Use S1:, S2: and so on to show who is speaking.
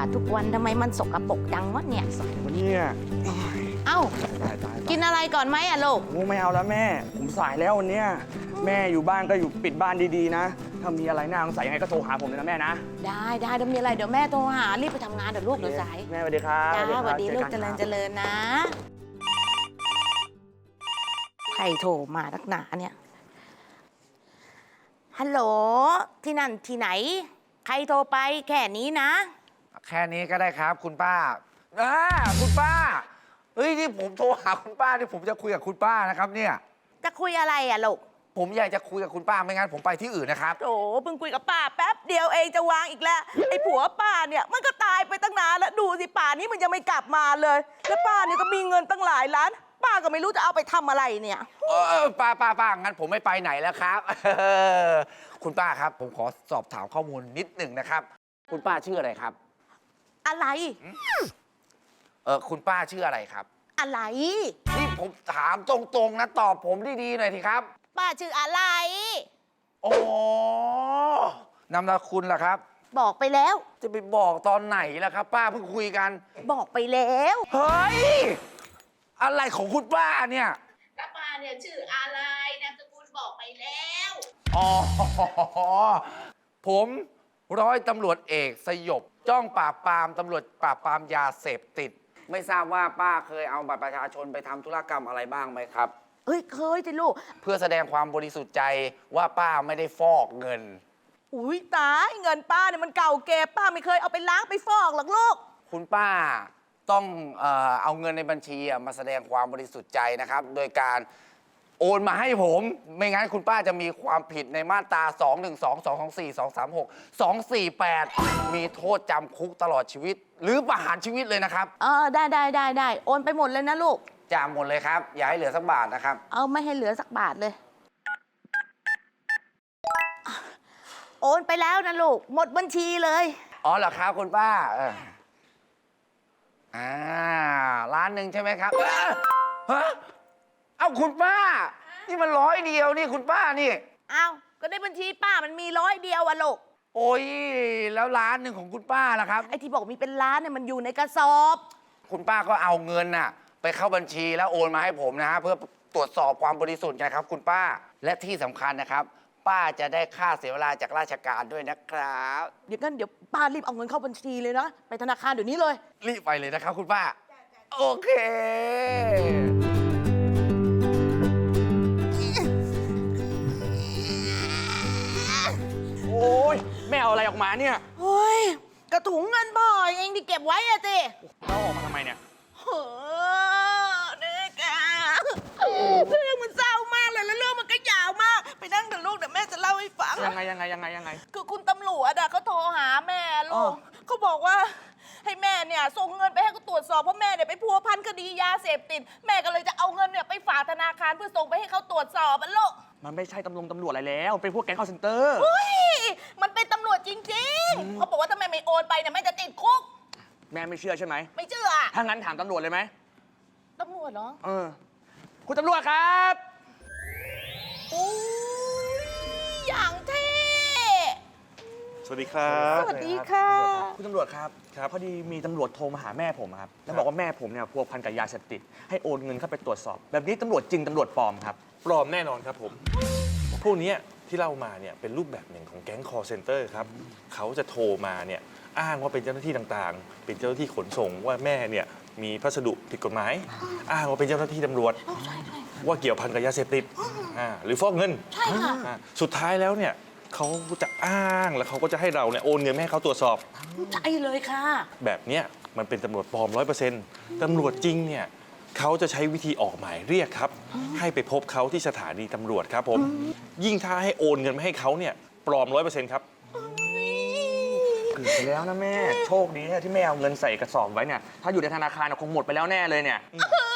S1: าดทุกวันทำไมมันสกปรกจังวะเนี่ย
S2: วันนี้
S1: เอ้า
S2: ตาย
S1: กินอะไรก่อนไหมอะลูก
S2: โอ้ไม่เอาแล้วแม่ ผมสายแล้ววันเนี้ยแม่อยู่บ้านก็อยู่ปิดบ้านดีๆนะ ถ้ามีอะไรน่าสงสัยยังไงก็โทรหาผมเลยนะแม่นะ
S1: ได้เดี๋ยวมีอะไรเดี๋ยวแม่โทรหารีบไปทำงานเดี๋ยวลูกเดี๋ยวสาย
S2: แม่สวัสดีครับ
S1: จ้าสวัสดีลูกเจ
S2: อ
S1: ริ
S2: น
S1: ญเจริญนะใครโทรมานักหนาเนี่ยฮัลโหลที่นั่นที่ไหน ใครโทรไปแค่นี้นะ
S3: แค่นี้ก็ได้ครับคุณป้าคุณป้าเฮ้ยนี่ผมโทรหาคุณป้าที่ผมจะคุยกับคุณป้านะครับเนี่ย
S1: จะคุยอะไรอะลูก
S3: ผมอยากจะคุยกับคุณป้าไม่งั้นผมไปที่อื่นนะครับ
S1: โถเพิ่งคุยกับป้าแป๊บเดียวเองจะวางอีกแล้วไอ้ผัวป้าเนี่ยมันก็ตายไปตั้งนานแล้วดูสิป่านนี้มันยังไม่กลับมาเลยแล้วป้าเนี่ยก็มีเงินตั้งหลายล้าน ป้าก็ไม่รู้จะเอาไปทำอะไรเนี่ย
S3: ป้างั้นผมไม่ไปไหนแล้วครับ คุณป้าครับ ผมขอสอบถามข้อมูลนิดหนึ่งนะครับ คุณป้าชื่ออะไรครับ
S1: อะไร
S3: คุณป้าชื่ออะไรครับ
S1: อะไร
S3: นี่ผมถามตรงๆนะตอบผมดีๆหน่อยทีครับ
S1: ป้าชื่ออะไร
S3: โอ้นามสกุลล่ะครับ
S1: บอกไปแล้ว
S3: จะไปบอกตอนไหนล่ะครับ ป้าเพิ่งคุยกัน
S1: บอกไปแล้ว
S3: เฮ้ย อะไรของคุณป้าเนี่ย
S1: ป้าเนี่ยชื่ออะไรนามสกุลบอกไปแล้ว
S3: อ๋อ ผมร้อยตำรวจเอกสยบ จ้องปราบปรามตำรวจปราบปรามยาเสพติด ไม่ทราบว่าป้าเคยเอาบัตรประชาชนไปทำธุรกรรมอะไรบ้างไหมครับ
S1: เฮ้ยเคยสิลูก
S3: เพื่อแสดงความบริสุทธิ์ใจว่าป้าไม่ได้ฟอกเงิน
S1: อุ้ยตายเงินป้าเนี่ยมันเก่าเก็บป้าไม่เคยเอาไปล้างไปฟอกหรอกลูก
S3: คุณป้าต้องเอาเงินในบัญชีมาแสดงความบริสุทธิ์ใจนะครับ โดยการโอนมาให้ผม ไม่งั้นคุณป้าจะมีความผิดในมาตรา 212 224 234 248 มีโทษจำคุกตลอดชีวิต หรือประหารชีวิตเลยนะครับ
S1: ได้โอนไปหมดเลยนะลูก
S3: จำหมดเลยครับ อย่าให้เหลือสักบาทนะครับ
S1: เอาไม่ให้เหลือสักบาทเลย โอนไปแล้วนะลูก หมดบัญชีเลย
S3: อ๋อเหรอครับคุณป้าล้านหนึ่งใช่ไหมครับฮะเอาคุณป้า นี่มัน100 เดียวนี่คุณป้านี่
S1: เอาก็ในบัญชีป้ามันมี100 เดียวอะลูก
S3: โอ้ยแล้วล้านหนึ่งของคุณป้าล่ะครับ
S1: ไอ้ที่บอกมีเป็นล้านเนี่ยมันอยู่ในกระสอบ
S3: คุณป้าก็เอาเงินน่ะไปเข้าบัญชีแล้วโอนมาให้ผมนะฮะเพื่อตรวจสอบความบริสุทธิ์ไงครับคุณป้าและที่สำคัญนะครับ ป้าจะได้ค่าเสียเวลาจากราชการด้วยนะครับ
S1: เดี๋ยวป้ารีบเอาเงินเข้าบัญชีเลยนะ ไปธนาคารเดี๋ยวนี้เลย
S3: รีบไปเลยนะครับคุณป้า โอเค
S2: โอ้ยแม่เอาอะไรออกมาเนี่ย
S1: เฮ้ย กระถุงเงินพ่อเองที่เก็บไว้อะสิ
S2: เราออกมาทำไมเนี่ย
S1: เฮ้อเด็กอะเรื่องมันเศร้ามากเลยแล้วเรื่องมันก็ยาวมาก ไปนั่งเดี๋ยวลูกเดี๋ยวแม่จะเล่าให้ฟัง
S2: ยังไง
S1: คือคุณตำรวจอะเขาโทรหาแม่
S2: อ๋
S1: ลู
S2: อ
S1: กเขาบอกว่าให้แม่เนี่ยส่งเงินไปให้เขาตรวจสอบเพราะแม่เนี่ยไปพัวพันคดียาเสพติดแม่ก็เลยจะเอาเงินเนี่ยไปฝากธนาคารเพื่อส่งไปให้เขาตรวจสอบอะลูก
S2: มันไม่ใช่ตำรวจอะไรแล้ว เป็นพวกแก๊งคอลเซ็นเตอร์
S1: เฮ้ยมันเป็นตำรวจจริงๆเขาบอกว่าถ้าแม่ไม่โอนไปเนี่ยแม่จะติดคุก
S2: แม่ไม่เชื่อใช่ไหม
S1: ไม่เชื่ออะ
S2: ถ้างั้นถามตำรวจเลยไหม
S1: ตำรวจเหรอ
S2: คุณตำรวจครับ
S1: อุ้ยอย่างเท่
S4: สวัสดีครับ
S1: สวัสดีค่ะ
S2: คุณตำรวจครับ พอดีมีตำรวจโทรมาหาแม่ผมครับ แล้วบอกว่าแม่ผมเนี่ยพัวพันกับยาเสพติด ให้โอนเงินเข้าไปตรวจสอบ แบบนี้ตำรวจจริงตำรวจปลอมครับ
S4: ปลอมแน่นอนครับผม พวกเนี้ยที่เล่ามาเนี่ยเป็นรูปแบบหนึ่งของแก๊ง call center ครับ เขาจะโทรมาเนี่ยอ้างว่าเป็นเจ้าหน้าที่ต่างๆ เป็นเจ้าหน้าที่ขนส่งว่าแม่เนี่ยมีพัสดุผิดกฎหมาย อ้างว่าเป็นเจ้าหน้าที่ตำรวจ ว่าเกี่ยวพันกับยาเสพติดหรือฟอกเงิน
S1: ใช่ค่ะ
S4: สุดท้ายแล้วเนี่ยเขาจะอ้างแล้วเขาก็จะให้เราเนี่ยโอนเงินให้เขาตรวจสอบ
S1: ใช่เลยค่ะ
S4: แบบเนี้ยมันเป็นตำรวจปลอม 100%ตำรวจจริงเนี่ยเขาจะใช้วิธีออกหมายเรียกครับ ให้ไปพบเขาที่สถานีตำรวจครับผม ยิ่งถ้าให้โอนเงินมาให้เขาเนี่ยปลอม 100%ครับ
S2: เกือบไปแล้วนะแม่ โชคดีนะที่แม่เอาเงินใส่กระสอบไว้เนี่ย ถ้าอยู่ในธนาคารคงหมดไปแล้วแน่เลยเนี่ย
S1: เฮ้